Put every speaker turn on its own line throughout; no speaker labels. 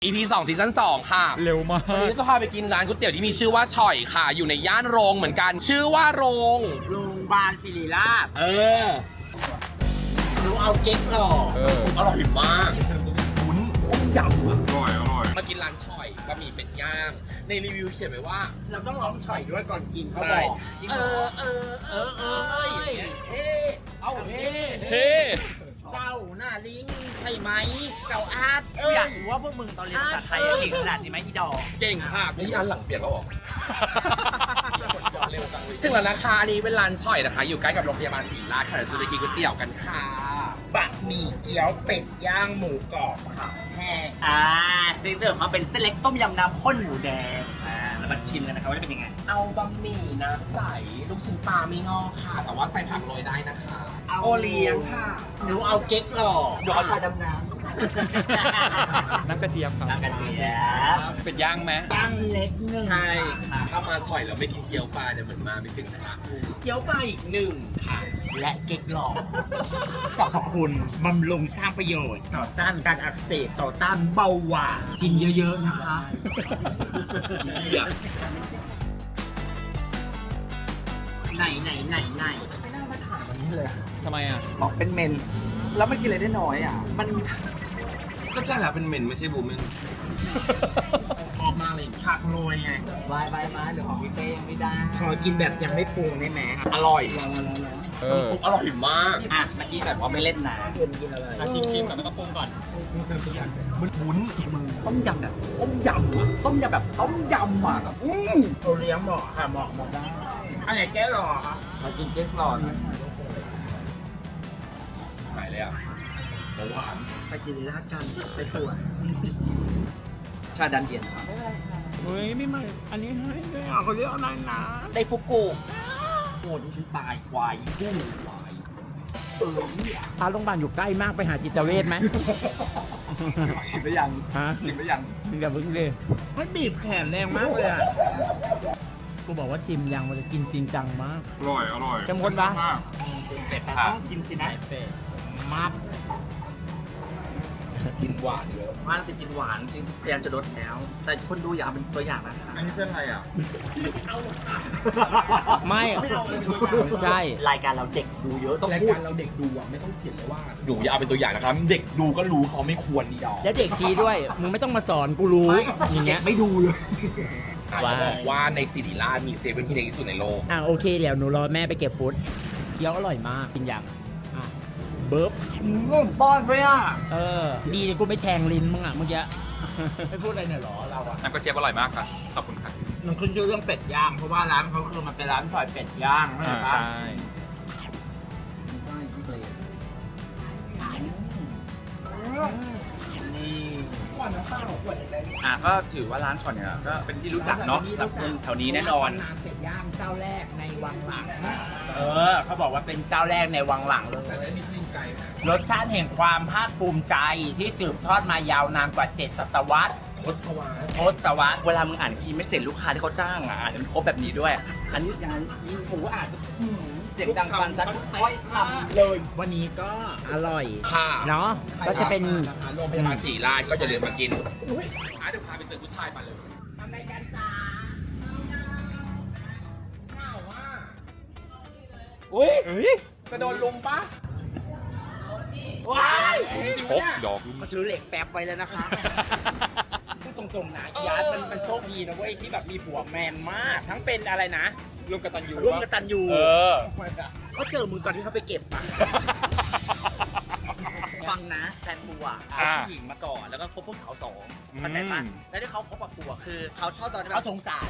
EP 2ซีซั่น2ค่ะ
เร็วมาก
วันนี้จะพาไปกินร้านก๋วยเตี๋ยวที่มีชื่อว่าฉ่อยค่ะอยู่ในย่านโรงเหมือนกันชื่อว่าโรงพยาบาลศิริราชหนูเอาเก๊กหล่ออร่อยมากวุ้นต้มยำอร่อยมากินร้านฉ่อยบะหมี่เป็ดย่างในรีวิวเขียนไว้ว่าเราต้องลองฉ่อยด้วยก่อนกินเขาบอกเฮ้เจ้าหน้าลิงใช่ไหมเจ้าอาร์ต
อยากรู้ว่าพวกมึงตอนเรียนภาษาไทยเก่งขนาดนี้ไหมอีดอก
เก่งค่ะนี่อันหลังเปลี่ยนแล้วหรอถึงแล้วนะคะอันนี้เป็นร้านฉ่อยนะคะอยู่ใกล้กับโรงพยาบาลศรีราชค่ะจะไปกินก๋วยเตี๋ยวกันค่ะบะหมี่เกี๊ยวเป็ดย่างหมูกรอบค่ะแห้ง
ซิกเนเจอร์เขาเป็นเส้นเล็กต้มยำน้ำข้นหมูแดงแล้วมาชิมกันนะครับว่าจะเป็นยังไง
เอาบะหมี่น้ำใสลูกชิ้นปลาไม่งอกค่ะแต่ว่าใส่ผักโรยได้นะคะโอเลี้ยงค่ะ
หนูเอาเก๊กหล่อ
หนูเอาชาดำน้ำ
น้ำกระเจี๊ยบครับ
น้ำกระเจี๊ยบ
เป็ดย่างไหม
ย่างเล็กหนึ่ง
ใช่ถ้ามาฉ่อยแล้วไม่กินเกี๊ยวปลาเนี่ยเหมือนมาไม่ถึงนะคะเกี๊ยวปลาอีกหนึ่งค่ะ
และเก๊กหล่อสรรพคุณบำรุงสร้างประโยชน์ต่อต้านการอักเสบต่อต้านเบาหวานกินเยอะๆนะคะไหนไม่น่ามาถามวันนี้เลย
ทำไมอ่ะ
บอกเป็นเมนแล้วไม่กินอะไรได้น้อยอ่ะมัน
ก็ใช่แหละเป็นเมนไม่ใช่บูมเมนออกมาเลยผักโรยไง
วายเดี๋ยวของพี่เต้ยังไม่ได้ขอกินแบบยังไม่ปรุงได้ไหม
อร่อย
ซุ
ปอร่อยมาก
เมื่อกี้แบบว่าไม่เล่นนะกินอะไร
ชิมก่อนแล้วก็ปรุงก่อน
วุ้นมึงต้มยำแบบต้มยำอ่ะ
โอเลี้ยงเหมาะค่ะเหมาะได้อันไหนแก้หล่อครับมากินแก้หล่อนะ
หายเลยอ่ะหวาน
ไปกินราดกันไปตรวจชาดันเย็นครับ
เฮ้ยไม่ใหม่อันนี้ให้เลย
เขาเรียกอะไรนะ
ได้ฟุกุ
โอ้ยฉันตายควายกุ้งควาย
พาโรงพยาบาลอยู่ใกล้มากไปหาจิตเวชไหม
ชิมไปยังชิมไปยัง
อย่าเพิ่งเลย
มันบีบแขนแรงมากเลยอ่ะ
กูบอกว่าชิมยังมันจะกินจริงจังมาก
อร่อย
เข้มข้นปะ
เป็ดต้องกินสินะ
เป็ดมัด
กินหวานเยอะ
ว่าติดกินหวานจริงพยายามจะลดแล้วแต่คนดูอยากเป็นตัวอย่างนะคะ
อันนี้เป็นอะไรอ่ะ
ไม่ใช่
รายการเราเด็กดูเยอะต้อง
รายการเราเด็กดูอ่ะไม่ต้องเขียนเลยว่าดูอย่าเอาเป็นตัวอย่างนะครับเด็กดูก็รู้เขาไม่ควรนี่ดอก
แล้วเด็กชี้ด้วยมึงไม่ต้องมาสอนกูรู้อย่างเงี้ย
ไม่ดูเลย
บอกว่าในศิริราชมีเซเว่นที่เล็กที่สุดในโลก
โอเคเดี๋ยวหนูรอแม่ไปเก็บฟุตเกี๊ยวอร่อยมากกินยังเบิร์บ
ป้อนไปอ่ะ
ดีกูไม่แทงลิ้นมึงอ่ะเมื่อกี้ไม่พูดอะไรเนี่ยหรอเราอ่ะ
น้ำกระเจี๊ยบอร่อยมากค่ะขอบคุณค่ะ
มันขึ้นชื่อเรื่องเป็ดย่างเพราะว่าร้านเขาคือมันเป็นร้านฉ่อยเป็ดย่าง
ใช่
ก็ถือว่าร้านฉ่อยเนี่ยก็เป็นที่รู้จักเนาะกับคนแถวนี้แน่นอน
เป็ดย่างเจ้าแรกในวังหลัง
เขาบอกว่าเป็นเจ้าแรกในวังหลังเลยรสชาติแห่งความภาคภูมิใจที่สืบทอดมายาวนานกว่า7 ศตวรรษทศวรรษเวลามึงอ่านอีเมสเสร็จลูกค้าที่เขาจ้างอ่านมันครบแบบนี้ด้วยอันนี้งานยิ่งผมก็อ่านเสียงดังฟันชัดค่อยทำเลย
วันนี้ก็อร่อย
ค่ะ
เนาะก็จะเป็น
โรงพยาบาลศรีราชก็จะเดินมากินเดี๋ยวพาไปเจอผู้ชายมาเลย
ทำรายการจ้า
อุ้ยจะโดนลุมปะว้าย
ชกดอก
มาถือเหล็กแป๊บไปแล้วนะคะพูดตรงๆนะยาร์ดมันโชคดีนะเว้ยที่แบบมีผัวแมนมากทั้งเป็นอะไรนะ
ร่วมกตัญญู
เขาเจอมึงตอนที่เขาไปเก็บอะฟังนะแฟนกูอ่ะเอาผู้หญิงมาก่อนแล้วก็คบพวกเขา2เข้าใจปะแล้วที่เขาคบกับกูคือเขาชอบตอนที่เขาสงสาร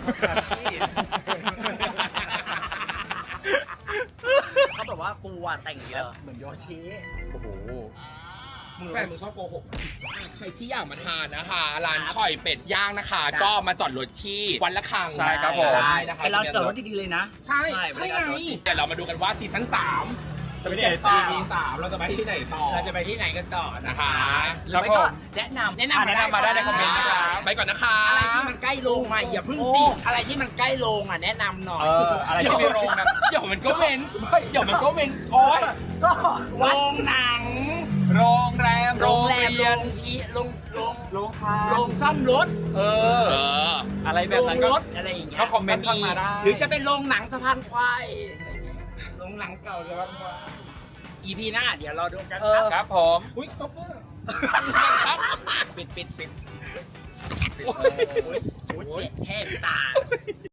เขาแบบว่ากูอ่ะแต่งเยอะเหมือนโยชิ
โอ้โหแฟนมึงชอบโกหกใครที่อยากมาทานนะคะร้านฉ่อยเป็ดย่างนะคะก็มาจอดรถที่วัดละคัง
ใช่ครับผม
ได้นะคะ
เราจอดรถดีๆเลยนะ
ใช่ไงเดี๋ยวเรามาดูกันว่าซีซั่น3จะไปที่ไหนต่อเราจะไปที่ไหนต่อ
เราจะไปที่ไหนกันต่อนะคะ
แล้วก็
แนะนำ
มาได้ในคอมเมนต์นะครับไปก่อนนะคะ
อะไรที่มันใกล้โรงมาอย่าพึ่งสิอะไรที่มันใกล้โรงแนะนำหน่อย
อะไรที่มีโรงนะเดี๋ยวมันก็เว้นโอ้ย
ก็โรงหนัง
โรงแรม
โรงแรม
โรงเรียน
โรงที่โรง
ทาน
โรงซ่อมรถ
อะไรแบบนั้น
โร
ก็
งรถอะไรอย่างเงี้ย
ก็คอมเมนต์เข้ามาได้
หรือจะเป็นโรงหนังสะพานควายอะไรอย่างเงี้ยโรงหนังเก่าสะพานควาย EP หน้าเดี๋ยวรอดูกันครับ
ครับผม
อุ้ยตบมือ
ครับ
ปิด
โอ้ย
โอ้ยเจ็บแทบตา